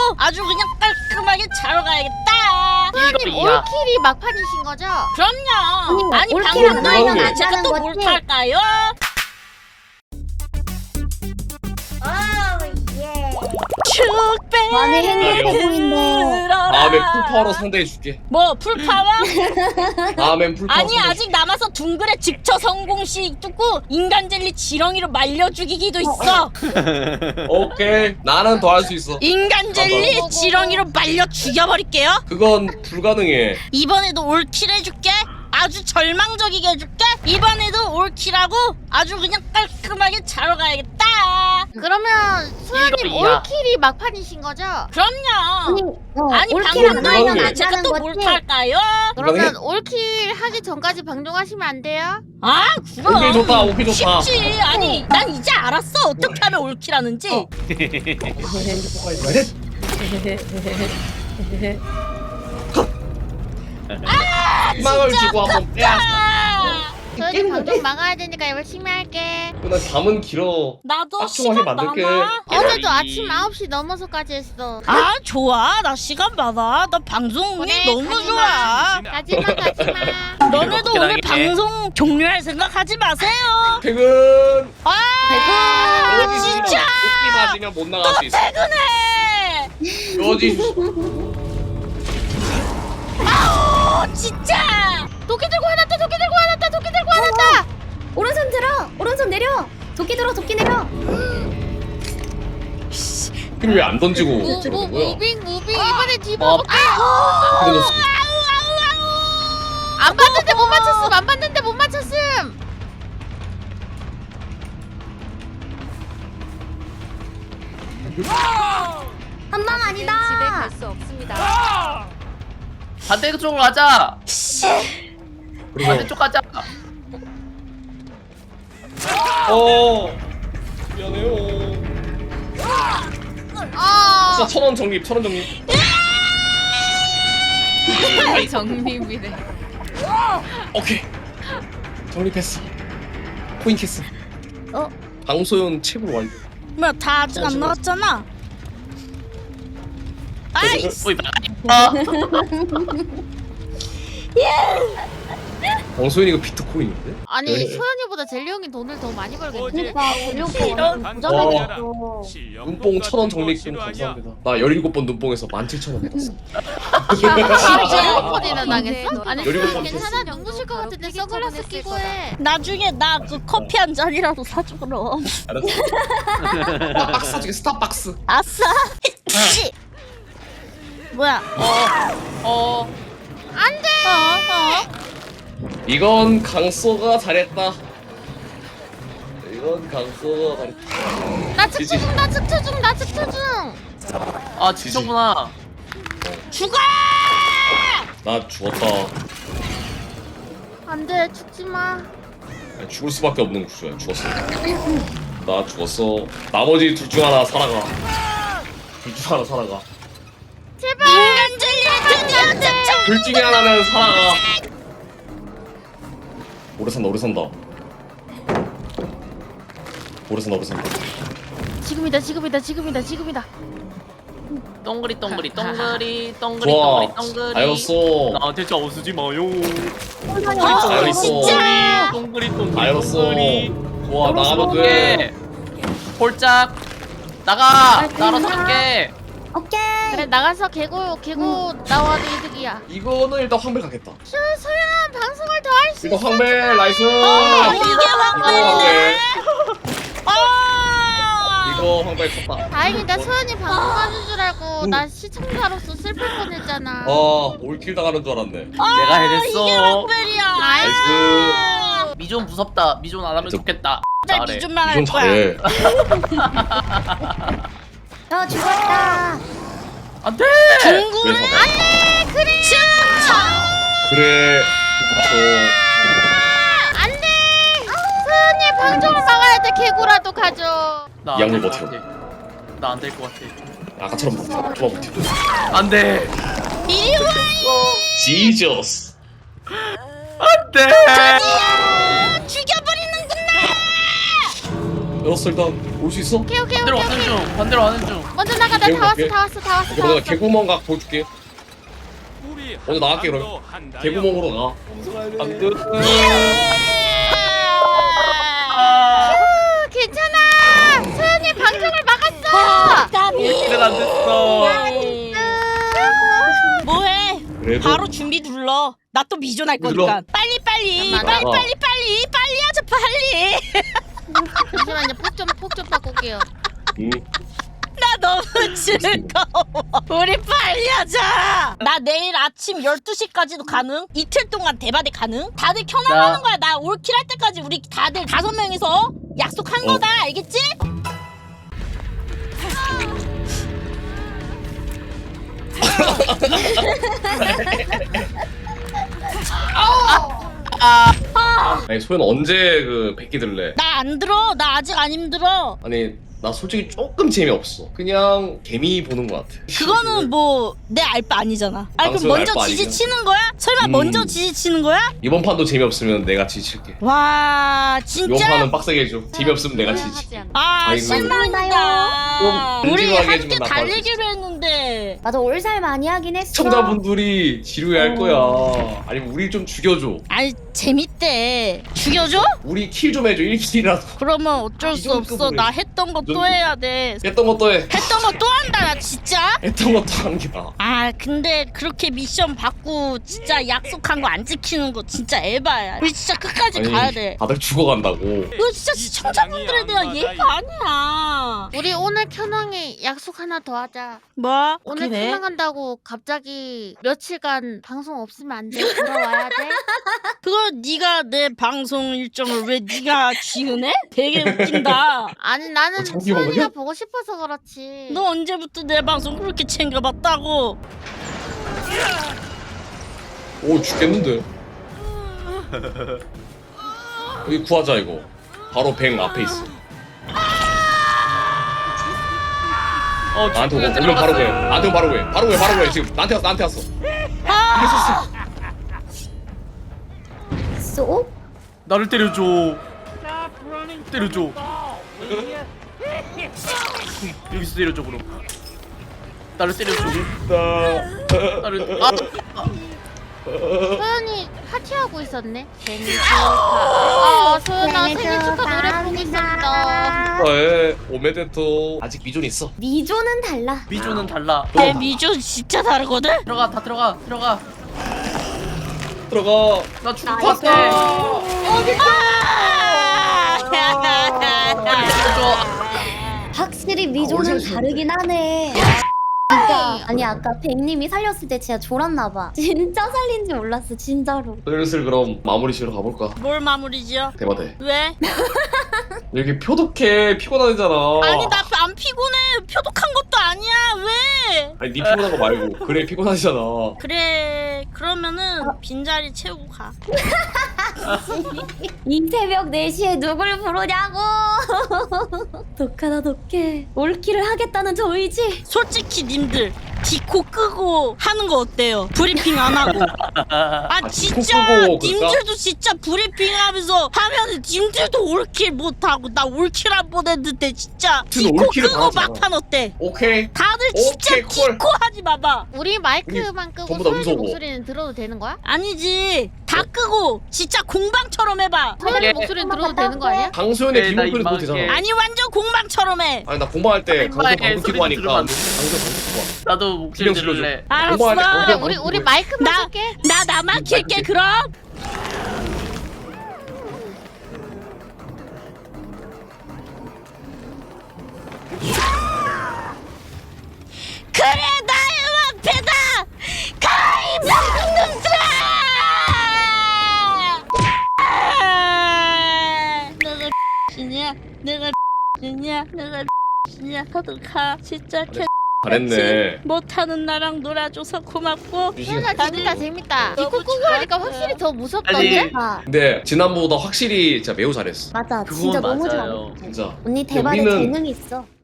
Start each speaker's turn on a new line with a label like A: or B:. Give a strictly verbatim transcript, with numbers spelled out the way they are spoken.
A: 아주 그냥 깔끔하게 자러 가야겠다.
B: 소연님 올킬이 막판이신 거죠?
A: 그럼요. 아니
C: 올킬은
A: 방금도
C: 아니면
A: 있는데
C: 안
A: 제가
C: 하는
A: 또
C: 거지.
A: 몰탈까요? 축배
C: 많이 행복해 보인다.
D: 다음에 풀파워로 상대해줄게.
A: 뭐 풀파워?
D: 다음엔 풀파워
A: 아니
D: 상대해줄게.
A: 아직 남아서 둥글에 직처 성공시 뚫고 인간 젤리 지렁이로 말려 죽이기도 있어.
D: 오케이, 나는 더 할 수 있어.
A: 인간 젤리
B: 어, 어, 어.
A: 지렁이로 말려 죽여버릴게요.
D: 그건 불가능해.
A: 이번에도 올킬 해줄게. 아주 절망적이게 해줄게. 이번에도 올킬하고 아주 그냥 깔끔하게 자러 가야겠다.
B: 그러면 소연님
E: 이거야.
B: 올킬이 막판이신 거죠?
A: 그럼요.
C: 어,
A: 아니
C: 올킬은
A: 방금도
C: 아니면
A: 있는데
C: 안
A: 제가
C: 하는
A: 또
C: 거지.
A: 몰탈까요?
B: 그러면
D: 이거는-
B: 올킬 하기 전까지 방종하시면 안 돼요?
A: 아 그럼
D: 오케이 좋다, 오케이 좋다.
A: 쉽지. 아니 난 이제 알았어 어떻게 하면 올킬하는지.
D: 어. 희망을 주고 한번 빼야.
A: 아,
B: 소연님 방종 막아야 되니까 열심히 할게.
D: 나 잠은 길어.
A: 나도
D: 빡종하게
A: 시간
D: 만들게.
A: 많아.
B: 어제도 아침 아홉 시 넘어서까지 했어.
A: 아 좋아 나 시간 많아. 나 방송이
B: 그래,
A: 너무
B: 가지마.
A: 좋아.
B: 가지마 가지마.
A: 너네도
E: 어떻게
A: 오늘
E: 당해?
A: 방송 종료할 생각하지 마세요.
D: 퇴근.
A: 아
D: 여기
A: 진짜
D: 도끼 맞으면 못 나갈 수 있어.
A: 퇴근해.
D: 여기
A: 아우 진짜.
B: 도끼 들고 화났다 도끼 들고 화났다 도끼 들고 화났다.
C: 오른손 들어. 오른손 내려. 도끼 들어. 도끼 내려.
D: 왜 안 던지고
B: 무, 무,
D: 저러는 거야?
B: 무빙 무빙 이번에 뒤로
E: 어.
B: 볼게.
D: 그래도
B: 안 봤는데 못 맞췄음 안 봤는데 못 맞췄음.
C: 한 방 아니다.
E: 반대쪽으로 가자.
D: 그리고
E: 반대쪽 가자.
D: 어 미안해요.
B: 아
D: 진짜 천원 적립, 천원 적립.
B: 정립이래.
D: 오케이, 적립했어. 코인 캐스.
C: 어?
D: 방소연 칩으로 완료.
A: 뭐야 다 아직 안 나왔잖아. 아이
E: 오이 아,
D: 방소연 이거 비트코인인데?
B: 아니
D: 네.
B: 소연이보다 젤리 형이 돈을 더 많이 벌겠네.
C: 그러니까 전력도
A: 이런-
C: 부자라고.
D: 눈뽕 천원 적립금 감사합니다. 나 열일곱 번 눈뽕에서 만 칠천 원 받았어.
B: 열일곱 번이나 당했어? 아니
D: 열일곱
B: 소연
D: 번
B: 괜찮아 눈부실 것 같은데 선글라스 끼고 해.
A: 나중에 나 그 커피 한 잔이라도 사줘 그럼.
D: 알았어. 스타박스 사줄게, 스타박스.
A: 아싸. 씨. 뭐야?
E: 어,
B: 안돼.
A: 어 어.
D: 이건 강소가 잘했다. 이건 강소가 잘했다.
B: 나 측초 중, 나 측초 중, 나 측초 중.
E: 아 진짜구나.
A: 죽어.
D: 나 죽었다.
B: 안돼 죽지 마.
D: 아니, 죽을 수밖에 없는 구조야. 죽었어. 나 죽었어. 나머지 둘 중 하나 살아가. 둘 중 하나 살아가.
B: 제발.
A: 인간 젤리 드디어 득점.
D: 둘 중에 하나는 살아가. 오래 산다, 오래 산다. 오래 산다, 오래 산다.
B: 지금이다, 지금이다, 지금이다, 지금이다.
E: 동그리 동그리 동그리 동그리
D: 좋아.
E: 동그리 동그리.
D: 알겠어.
E: 나한테 짜오쓰지 마요.
A: 아
D: 알겠어.
A: 진짜.
E: 동그리 동그리
D: 알겠어.
E: 동그리.
D: 좋아, 나가면 돼.
E: 돼. 홀짝 나가. 나로 살게.
C: 오케이.
B: 그래 나가서 개고 개고 나와도 이득이야.
D: 이거는 일단 황벨 가겠다.
B: 슈 소연 방송을 더 할 수
D: 일단
B: 있어.
D: 황벨 나이스.
A: 아, 이게 황벨이네.
D: 이거
A: 아.
D: 이거 황벨 컸다.
B: 다행이다 소연이 방송하는 줄 알고 나 시청자로서 슬플 뻔했잖아.
D: 어, 올킬 당하는 줄 알았네.
E: 내가
A: 이게
E: 해냈어.
A: 황벨이야.
D: 나이스.
E: 미존 무섭다. 미존 안 하면
D: 저-
E: 좋겠다.
A: 나
E: 잘해.
A: 미좀만 할
D: 이건
A: 거야.
D: 잘해.
C: 어 죽었다.
E: 안돼.
A: 둥글에
D: 왜 잡아?
A: 안돼 그래. 춤춰.
D: 그래.
B: 안돼. 소연이 방송을 막아야 돼. 개고라도 가져.
E: 나
D: 이 양물
E: 안 될
D: 버텨.
E: 것 같아. 나 안 될 것 같아.
D: 아까처럼 버텨. 좋아 버텨.
E: 안돼.
A: 이리 와.
D: 지저스.
E: 안돼.
A: 드디어 죽여버리는구나.
D: 열었어 일단 올 수 있어?
B: 오케이 오케이
E: 반대로
B: 오케이
E: 가는
B: 오케이.
E: 중. 반대로 가는 중.
B: 먼저 나가. 나 다 왔어
D: 오케이.
B: 다 왔어 다 왔어
D: 오케이,
B: 다
D: 먼저
B: 왔어.
D: 개구멍 각 보여줄게. 먼저 나갈게 그럼. 개구멍으로 가. 안 돼.
B: 휴, 괜찮아. 소연이 방송을 막았어.
E: 일은 안 됐어.
A: 뭐해?
D: 그래도
A: 바로 준비 눌러. 나 또 미존할 거니까.
D: 눌러.
A: 빨리 빨리
B: 잠깐만.
A: 빨리 빨리 빨리 빨리 하자 빨리.
B: 잠시만요. 폭좀폭 좀 바꿀게요.
D: 음.
A: 나 너무 즐거워. 우리 빨리 하자. 나 내일 아침 열두 시까지도 가능? 이틀 동안 대바대 가능? 다들 켜나가는
E: 나-
A: 거야. 나 올킬 할 때까지 우리 다들 다섯 명이서 약속한
D: 어.
A: 거다. 알겠지?
D: 아니 소연 언제 그 백기 들래?
A: 나 안 들어. 나 아직 안 힘들어.
D: 아니 나 솔직히 조금 재미없어. 그냥 개미 보는 것 같아.
A: 그거는 뭐 내 알바 아니잖아. 아니 그럼
D: 방송
A: 먼저
D: 알바
A: 지지
D: 아니잖아.
A: 치는 거야? 설마
D: 음.
A: 먼저 지지 치는 거야?
D: 이번 판도 재미없으면 내가 지칠게.
A: 와
D: 이번
A: 진짜?
D: 판은 빡세게 해줘. 재미없으면 내가 지지.
B: 하지 않아.
A: 아
D: 아이고.
A: 실망이다.
D: 좀
A: 우리
D: 진지하게
A: 함께
D: 해주면 나
A: 달리기로 했는데.
C: 맞아 올살 많이 하긴 했어.
D: 시청자분들이 지루해할 거야. 아니면 우리 좀 죽여줘.
A: 아니 재밌대. 죽여줘?
D: 우리 킬 좀 해줘. 일 킬이라도.
A: 그러면 어쩔
D: 이
A: 수
D: 정도
A: 없어.
D: 급으로
A: 나
D: 해줘.
A: 했던 거
D: 이
A: 또
D: 정도.
A: 해야 돼.
D: 했던 것도 해.
A: 했던 거 또 한다 나 진짜.
D: 했던 것도 하는 게 나아.
A: 아 근데 그렇게 미션 받고 진짜 약속한 거 안 지키는 거 진짜 에바야. 우리 진짜 끝까지 가야 돼.
D: 다들 죽어간다고.
A: 이거 진짜 시청자분들에 대한 예의가 아니야.
B: 우리 오늘 켜낭에 약속 하나 더 하자.
A: 뭐?
B: 오늘
A: 그래?
B: 켜낭 한다고 갑자기 며칠간 방송 없으면 안 돼. 돌아와야 돼.
A: 그거 네가 내 방송 일정을 왜 네가 지으네? 되게 웃긴다.
B: 아니 나는
D: 어, 장기
B: 소연이가
D: 먹어요?
B: 보고 싶어서 그렇지.
A: 너 언제부터 내 방송 그렇게 챙겨봤다고?
D: 오 죽겠는데. 여기 구하자 이거. 바로 뱅 앞에 있어.
E: 어,
D: 나한테 오면
E: 중국에
D: 오면 바로 해.
E: 들어갔어.
D: 나한테 오면 바로 해. 바로 해. 바로 해. 지금 나한테 왔어. 나한테 왔어.
C: 쏘?
E: 나를 때려줘. 때려줘. 여기서 때려줘 그럼. 나를 때려줘. 나를 아, 아.
B: 소연이 파티하고 있었네. 생일 축하. 아 소연아 생일 축하 노래 부르고 있었다.
D: 에 오메데토. 아직 미존 있어.
C: 미조는 달라.
E: 미조는 달라.
A: 내 미주 진짜 다르거든?
E: 들어가 다 들어가 들어가.
D: 들어가.
E: 나 죽을 것 같아. 때려줘.
C: 확실히
D: 아,
C: 미조는
D: 어디서
C: 다르긴 하네. 진짜 아니 아까 백님이 살렸을 때 진짜 졸았나봐. 진짜 살린지 몰랐어 진짜로.
D: 슬슬 그럼 마무리 지으러 가볼까?
A: 뭘 마무리 지어?
D: 대바대.
A: 왜?
D: 이렇게 표독해. 피곤하잖아.
A: 아니 나 안 피곤해. 표독한 것도 아니야. 왜?
D: 아니 니 피곤한 거 말고. 그래 피곤하잖아.
A: 그래 그러면은 빈자리 채우고 가.
C: 이 새벽 네 시에 누굴 부르냐고. 독하다 독해. 올킬을 하겠다는 저 의지.
A: 솔직히 님들 디코 끄고 하는 거 어때요? 브리핑 안 하고. 아
D: 아, 디코
A: 진짜
D: 끄고 그럴까?
A: 님들도 진짜 브리핑 하면서 하면은 님들도 올킬 못하고 나 올킬 안 보냈는데 진짜
D: 지금
A: 디코
D: 올킬을
A: 끄고
D: 다 하잖아.
A: 막판 어때?
D: 오케이.
A: 다들 진짜
D: 오케이, 콜.
A: 디코 하지 마봐.
B: 우리 마이크만 끄고
D: 전부 다
B: 소연이
D: 무서워.
B: 목소리는 들어도 되는 거야?
A: 아니지 다 끄고 진짜 공방처럼 해봐.
B: 소연이
E: 예.
B: 목소리는 들어도 되는 거 아니야?
D: 강소연의
E: 네, 나
D: 기본소리 도
E: 이만하게.
D: 되잖아.
A: 아니 완전 공방처럼 해.
D: 아니 나 공부할 때 강소
E: 아줌마의
D: 방금
E: 소리
D: 키고 하니까
E: 들으면 안
D: 강소
E: 돼.
D: 방금 키고
E: 나도 목소리
D: 기령 질러줘.
E: 들을래.
A: 알았어.
D: 공부할 때
B: 그래
D: 공부할
B: 우리
D: 때
B: 우리
D: 공부해.
B: 마이크만
A: 나
B: 쓸게.
A: 나 나만 킬게 그럼. 그래 나의 왕패다. 가이 방금들아. 내가 이냐 내가 이냐 내가 이냐 다들 가 진짜 개
D: 잘했네.
A: 못하는 나랑 놀아줘서 고맙고.
B: 소연아 재밌다 재밌다.
A: 너무
B: 디코 끄고 하니까
A: 좋았어요.
B: 확실히 더 무섭던데?
E: 아니,
C: 아
D: 근데 지난번보다 확실히 진짜 매우 잘했어.
C: 맞아
E: 그건
C: 진짜 너무
E: 맞아요.
C: 잘해.
D: 진짜.
C: 언니 대박에
D: 우리는-
C: 재능 있어.